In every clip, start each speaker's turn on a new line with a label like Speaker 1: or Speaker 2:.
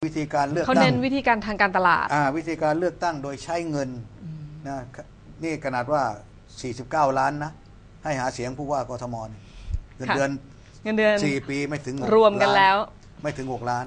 Speaker 1: วิธีการเลือก
Speaker 2: เขา
Speaker 1: ตั้ง
Speaker 2: เน้นวิธีการทางการตลาด
Speaker 1: วิธีการเลือกตั้งโดยใช้เงินนะนี่ขนาดว่า49 ล้านนะให้หาเสียงผู้ว่ากทมเงินเดือน4 ปีไม่ถึง
Speaker 2: รวมกันแล้ว
Speaker 1: ไม่ถึง6 ล้าน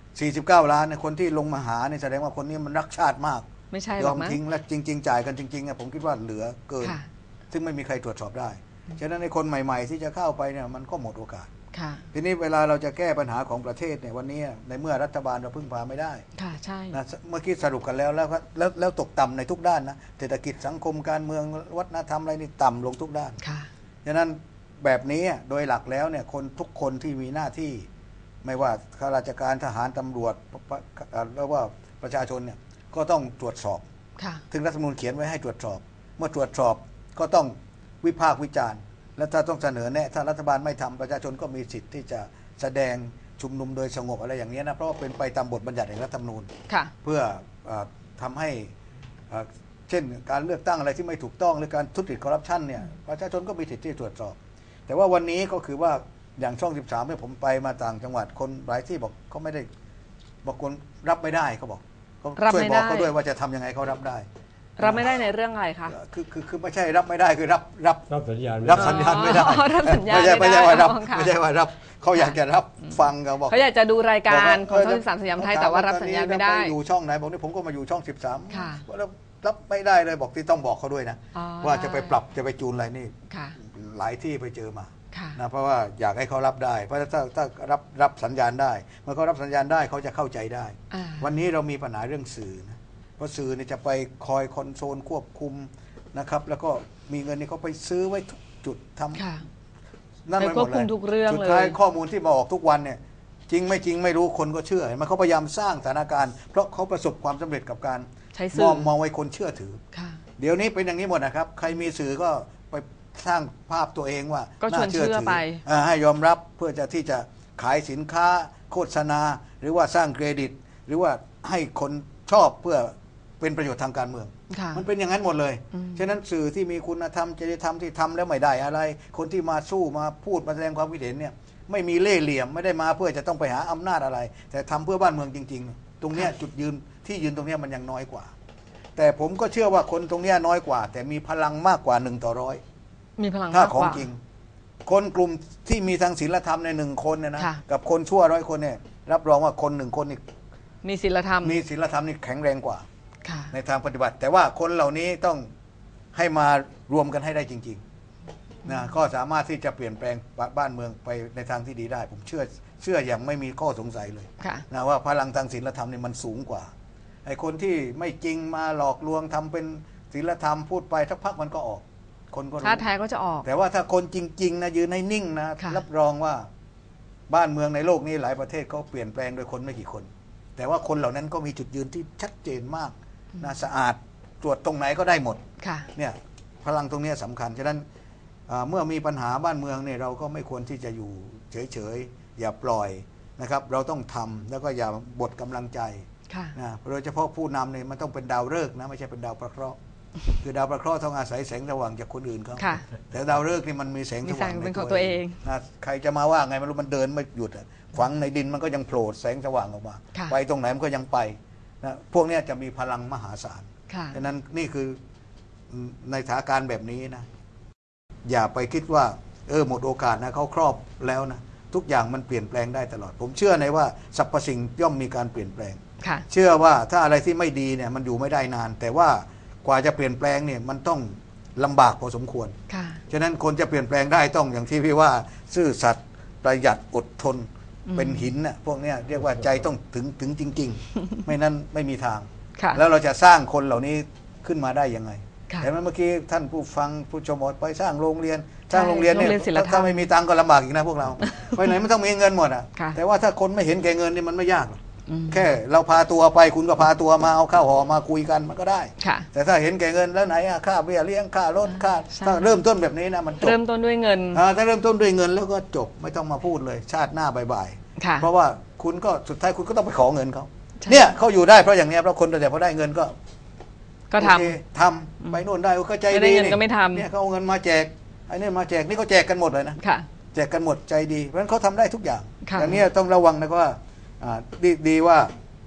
Speaker 1: 49 ล้านเนี่ยคนที่ลงมาหาเนี่ยแสดงว่าคนนี้มันรักชาติมาก
Speaker 2: ไม่ใช่
Speaker 1: ยอมทิ้งและจริงๆจ่ายกันจริงๆผมคิดว่าเหลือเกินซึ่งไม่มีใครตรวจสอบได้ฉะนั้นในคนใหม่ๆที่จะเข้าไปเนี่ยมันก็หมดโอกาสทีนี้เวลาเราจะแก้ปัญหาของประเทศเนี่ยวันนี้ในเมื่อรัฐบาลเราพึ่งพาไม่ได้
Speaker 2: ค่ะใช่
Speaker 1: นะเมื่อกี้สรุปกันแล้วตกต่ำในทุกด้านนะเศรษฐกิจสังคมการเมืองวัฒนธรรมอะไรนี่ต่ำลงทุกด้านฉะนั้นแบบนี้โดยหลักแล้วเนี่ยคนทุกคนที่มีหน้าที่ไม่ว่าข้าราชการทหารตำรวจแล้วว่าประชาชนเนี่ยก็ต้องตรวจสอบถึงรัฐธรรมนูญเขียนไว้ให้ตรวจสอบเมื่อตรวจสอบก็ต้องวิพากษ์วิจารณ์และถ้าต้องเสนอแนะถ้ารัฐบาลไม่ทำประชาชนก็มีสิทธิ์ที่จะแสดงชุมนุมโดยสงบอะไรอย่างนี้นะเพราะว่าเป็นไปตามบทบัญญัติแห่งรัฐธรรมนูญเพื่อทำให้เช่นการเลือกตั้งอะไรที่ไม่ถูกต้องหรือการทุจริตคอร์รัปชันเนี่ยประชาชนก็มีสิทธิ์ที่ตรวจสอบแต่ว่าวันนี้ก็คือว่าอย่างช่อง13เนี่ยผมไปมาต่างจังหวัดคนหลายที่บอกเขาไม่ได้บอกคนรับไม่ได้เขาบอกเขาช่วยบอกเขาด้วยว่าจะทำยังไงเขารับได้
Speaker 2: รับไม่ได้ในเรื่องอะไรคะ
Speaker 1: คือไม่ใช่รับไม่ได้คือรับ
Speaker 3: สัญญาณ
Speaker 1: รับสัญญาณไม่ได้
Speaker 2: รับสัญญาณ
Speaker 1: ไม่ใช่ว่ารับไม่ใช่ว่ารับเขาอยากจะรับฟังเขาบอก
Speaker 2: เขาอยากจะดูรายการของช่อง13สยามไทยแต่ว่ารับสัญญาณไม่ได้
Speaker 1: อยู่ช่องไหนบอกนี่ผมก็มาอยู่ช่อง13แล้วรับไม่ได้เลยบอกที่ต้องบอกเขาด้วยนะว่าจะไปปรับจะไปจูนอะไรนี่หลายที่ไปเจอมานะเพราะว่าอยากให้เขารับได้เพราะถ้ารับสัญญาณได้เมื่อเขารับสัญญาณได้เขาจะเข้าใจได้วันนี้เรามีปัญหาเรื่องสื่อนะเพราะสื่อเนี่ยจะไปคอยคอนโทรลควบคุมนะครับแล้วก็มีเงินนี่เขาไปซื้อไว้ทุกจุดทำนั่นไปหมดเลยสุดท้ายข้อมูลที่มาออกทุกวันเนี่ยจริงไม่จริงไม่รู้คนก็เชื่อมันเขาพยายามสร้างสถานการณ์เพราะเขาประสบความสำเร็จกับการมองไว้คนเชื่อถือเดี๋ยวนี้เป็นอย่างนี้หมดนะครับใครมีสื่อก็ไปสร้างภาพตัวเองว่า
Speaker 2: น่าเชื่อถือ
Speaker 1: ให้ยอมรับเพื่อจะที่จะขายสินค้าโฆษณาหรือว่าสร้างเครดิตหรือว่าให้คนชอบเพื่อเป็นประโยชน์ทางการเมืองมันเป็นอย่างนั้นหมดเลยฉะนั้นสื่อที่มีคุณธรรมจริยธรรมที่ทำแล้วไม่ได้อะไรคนที่มาสู้มาพูดมาแสดงความคิดเห็นเนี่ยไม่มีเล่ห์เหลี่ยมไม่ได้มาเพื่อจะต้องไปหาอำนาจอะไรแต่ทำเพื่อบ้านเมืองจริงๆตรงนี้จุดยืนที่ยืนตรงนี้มันยังน้อยกว่าแต่ผมก็เชื่อว่าคนตรงนี้น้อยกว่าแต่มีพลังมากกว่า1 ต่อ 100
Speaker 2: มีพลัง
Speaker 1: ถ้าของจริงคนกลุ่มที่มีทางศีลธรรมใน1 คนเนี่ยนะกับคนชั่ว100 คนเนี่ยรับรองว่าคน1 คนนี่
Speaker 2: มีศีลธรรม
Speaker 1: นี่แข็งแรงกว่าในทางปฏิบัติแต่ว่าคนเหล่านี้ต้องให้มารวมกันให้ได้จริงๆนะก็สามารถที่จะเปลี่ยนแปลงบ้านเมืองไปในทางที่ดีได้ผมเชื่ออย่างไม่มีข้อสงสัยเลยนะว่าพลังทางศีลธรรมนี่มันสูงกว่าไอ้คนที่ไม่จริงมาหลอกลวงทำเป็นศีลธรรมพูดไปสักพักมันก็ออกคนก็
Speaker 2: ท่าแท้ก็จะออก
Speaker 1: แต่ว่าถ้าคนจริงๆนะยืนให้นิ่งนะรับรองว่าบ้านเมืองในโลกนี้หลายประเทศเขาเปลี่ยนแปลงโดยคนไม่กี่คนแต่ว่าคนเหล่านั้นก็มีจุดยืนที่ชัดเจนมากนะสะอาดตรวจตรงไหนก็ได้หมดเนี่ยพลังตรงนี้สำคัญฉะนั้นเมื่อมีปัญหาบ้านเมืองเนี่ยเราก็ไม่ควรที่จะอยู่เฉยๆอย่าปล่อยนะครับเราต้องทำแล้วก็อย่าบดกำลังใจนะโดยเฉพาะผู้นำเนี่ยมันต้องเป็นดาวฤกษ์นะไม่ใช่เป็นดาวประเคราะห์คือดาวประเคราะห์ต้องอาศัยแสงสว่างจากคนอื่นเขาแต่ดาวฤกษ์นี่มันมีแสงสว่าง
Speaker 2: เป็นของตัวเอง
Speaker 1: นะใครจะมาว่าไงไม่รู้มันเดินไม่หยุดฝังในดินมันก็ยังโผล่แสงสว่างออกมาไปตรงไหนมันก็ยังไปนะพวกนี้จะมีพลังมหาศาลดังนั้นนี่คือในสถานการณ์แบบนี้นะอย่าไปคิดว่าหมดโอกาสนะเขาครอบแล้วนะทุกอย่างมันเปลี่ยนแปลงได้ตลอดผมเชื่อในว่าสรรพสิ่งย่อมมีการเปลี่ยนแปลงเชื่อว่าถ้าอะไรที่ไม่ดีเนี่ยมันอยู่ไม่ได้นานแต่ว่ากว่าจะเปลี่ยนแปลงเนี่ยมันต้องลำบากพอสมควรฉะนั้นคนจะเปลี่ยนแปลงได้ต้องอย่างที่พี่ว่าซื่อสัตย์ประหยัดอดทนเป็นหินน่ะพวกนี้เรียกว่าใจต้องถึงจริงๆไม่นั้นไม่มีทางแล้วเราจะสร้างคนเหล่านี้ขึ้นมาได้ยังไงแต่เมื่อกี้ท่านผู้ฟังผู้ชมไปสร้างโรงเรียนเนี่ยถ้าไม่มีตังก็ลำบากอีกนะพวกเราไปไหนไม่ต้องมีเงินหมดอ่ะแต่ว่าถ้าคนไม่เห็นแก่เงินนี่มันไม่ยากแค่เราพาตัวไปคุณก็พาตัวมาเอาข้าวห่อมาคุยกันมันก็ได้แต่ถ้าเห็นแก่เงินแล้วไหนค่าเบี้ยเลี้ยงค่ารถค่าถ้าเริ่มต้นแบบนี้นะมันจบ
Speaker 2: เริ่มต้นด้วยเงิน
Speaker 1: ถ้าเริ่มต้นด้วยเงินแล้วก็จบไม่ต้องมาพูดเลยชาติหน้าบ่ายเพราะว่าคุณก็สุดท้ายคุณก็ต้องไปขอเงินเขาเนี่ยเขาอยู่ได้เพราะอย่างนี้เพราะคนแต่พอได้เงินก็ทำไปโน่นได้ก็ใจดี
Speaker 2: นี่เนี่ย
Speaker 1: เขาเอาเงินมาแจกไอ้นี่มาแจกนี่เขาแจกกันหมดเลยนะแจกกันหมดใจดีเพราะฉะนั้นเขาทำได้ทุกอย่างอย่างนี้ต้องระวังนะว่าดีว่า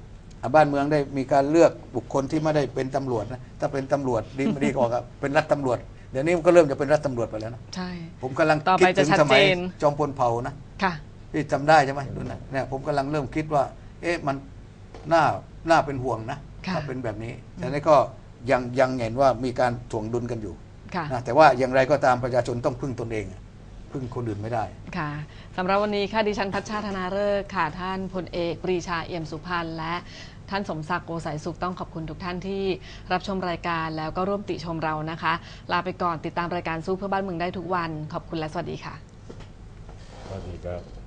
Speaker 1: บ้านเมืองได้มีการเลือกบุคคลที่ไม่ได้เป็นตำรวจนะถ้าเป็นตำรวจดีกว่าครับเป็นรัฐตำรวจเดี๋ยวนี้มันก็เริ่มจะเป็นรัฐตำรวจไปแล้วนะ
Speaker 2: ใช่
Speaker 1: ผมกำลัง
Speaker 2: ต่อ
Speaker 1: คิ
Speaker 2: ไป
Speaker 1: ด
Speaker 2: จะ
Speaker 1: ถึง
Speaker 2: ชัด
Speaker 1: สมัย
Speaker 2: เจน
Speaker 1: จอมพลเผ่านะ
Speaker 2: ค่ะ
Speaker 1: ที่จำได้ใช่ไหมดูนะเนี่ยผมกำลังเริ่มคิดว่า เอ๊ะมันน่าเป็นห่วงนะถ้าเป็นแบบนี้แต่นี่ก็ยังเห็นว่ามีการถ่วงดุลกันอยู่นะแต่ว่าอย่างไรก็ตามประชาชนต้องพึ่งตนเองพึ่งคนอื่นไม่ได้
Speaker 2: ค่ะสำหรับวันนี้ค่ะดิฉันพัชชาธนาฤกษ์ค่ะท่านพลเอกปรีชาเอี่ยมสุพรรณและท่านสมศักดิ์โกสายสุขต้องขอบคุณทุกท่านที่รับชมรายการแล้วก็ร่วมติชมเรานะคะลาไปก่อนติดตามรายการสู้เพื่อบ้านเมืองได้ทุกวันขอบคุณและสวัสดีค่ะ
Speaker 3: สวัสดีครับ